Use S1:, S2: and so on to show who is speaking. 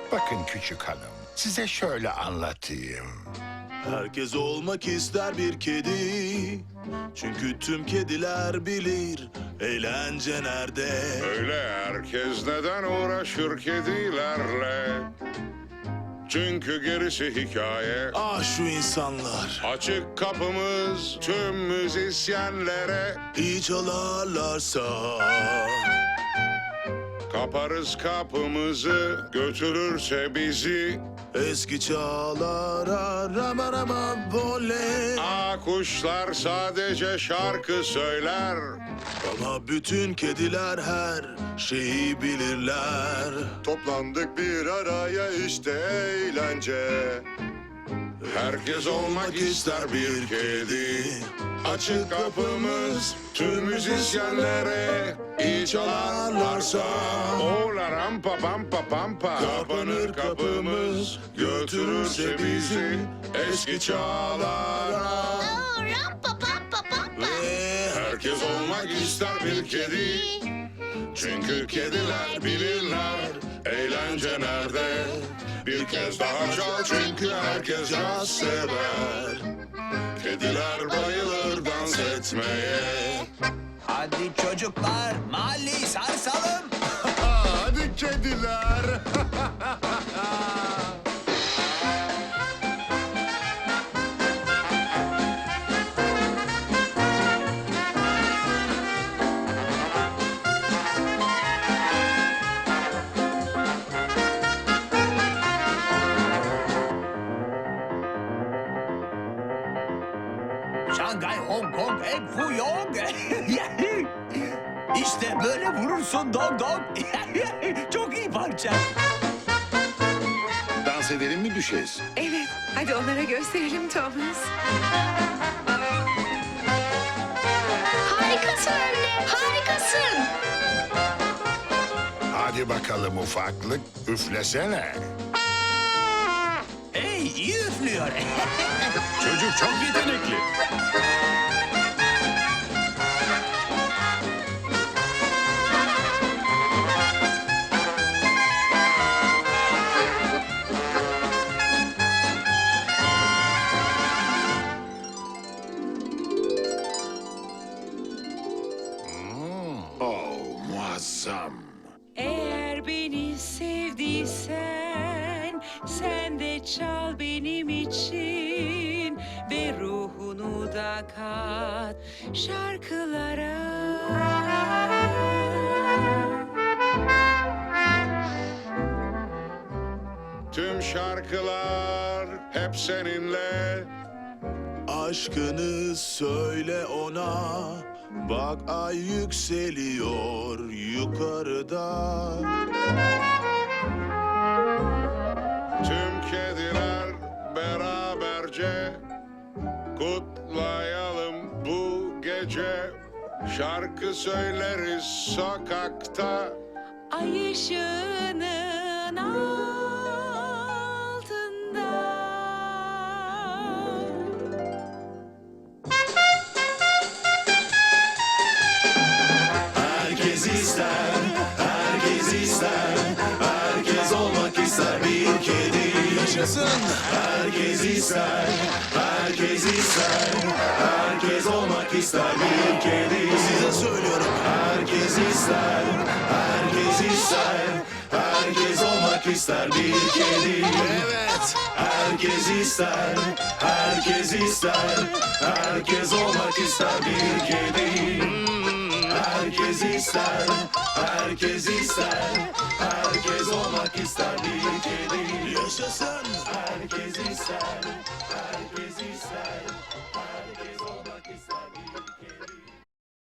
S1: Bakın küçük hanım, size şöyle anlatayım.
S2: Herkes olmak ister bir kedi. Çünkü tüm kediler bilir eğlence nerede.
S3: Öyle herkes neden uğraşır kedilerle? Çünkü gerisi hikaye.
S2: Ah şu insanlar.
S3: Açık kapımız tüm müzisyenlere.
S2: İyi çalarlarsa.
S3: Kaparız kapımızı, götürürse bizi.
S2: Eski çağlara rama rama voley.
S3: Kuşlar sadece şarkı söyler.
S2: Ama bütün kediler her şeyi bilirler.
S3: Toplandık bir araya işte eğlence. Herkes olmak ister bir kedi. Açık kapımız tüm müzisyenlere. İyi çalarlarsa. Ola rampa pampa pampa. Kapanır kapımız, götürürse bizi eski çağlara.
S4: Rampa pampa pampa.
S2: Ve
S3: Herkes olmak ister bir kedi. Çünkü kediler bilirler eğlence nerede. Bir kez daha çal çünkü herkes caz sever. Kediler bayılır dans etmeye.
S5: Hadi çocuklar, mahalleyi sarsalım.
S1: Hadi kediler.
S5: Şangay, Hong Kong, en Fuyong. İşte böyle vurursun Dong Dong. Çok iyi parça.
S1: Dans edelim mi düşez?
S6: Evet, hadi onlara gösterelim Thomas.
S4: Harikasın anne, harikasın.
S1: Hadi bakalım ufaklık, üflesene.
S5: Hey, iyi üflüyor.
S1: Çocuk çok yetenekli. Oh, muazzam.
S7: Eğer beni sevdiysen, sen de çal benim için ve ruhunu da kat şarkılara.
S3: Tüm şarkılar hep seninle.
S2: aşkını söyle ona. Bak ay yükseliyor yukarıda.
S3: Tüm kediler beraberce kutlayalım bu gece. Şarkı söyleriz sokakta.
S7: Ay ışığının altında.
S2: Herkes ister, herkes ister. Herkes olmak ister bir kedi. Yaşasın. Herkes ister, herkes ister. Herkes olmak ister bir kedi. Size söylüyorum. Herkes ister, herkes ister. Herkes olmak ister bir kedi. Evet. Herkes ister, herkes ister. Herkes olmak ister bir kedi. Herkes ister, herkes ister. Herkes olmak ister bir kedi. Yaşasın. Herkes ister, herkes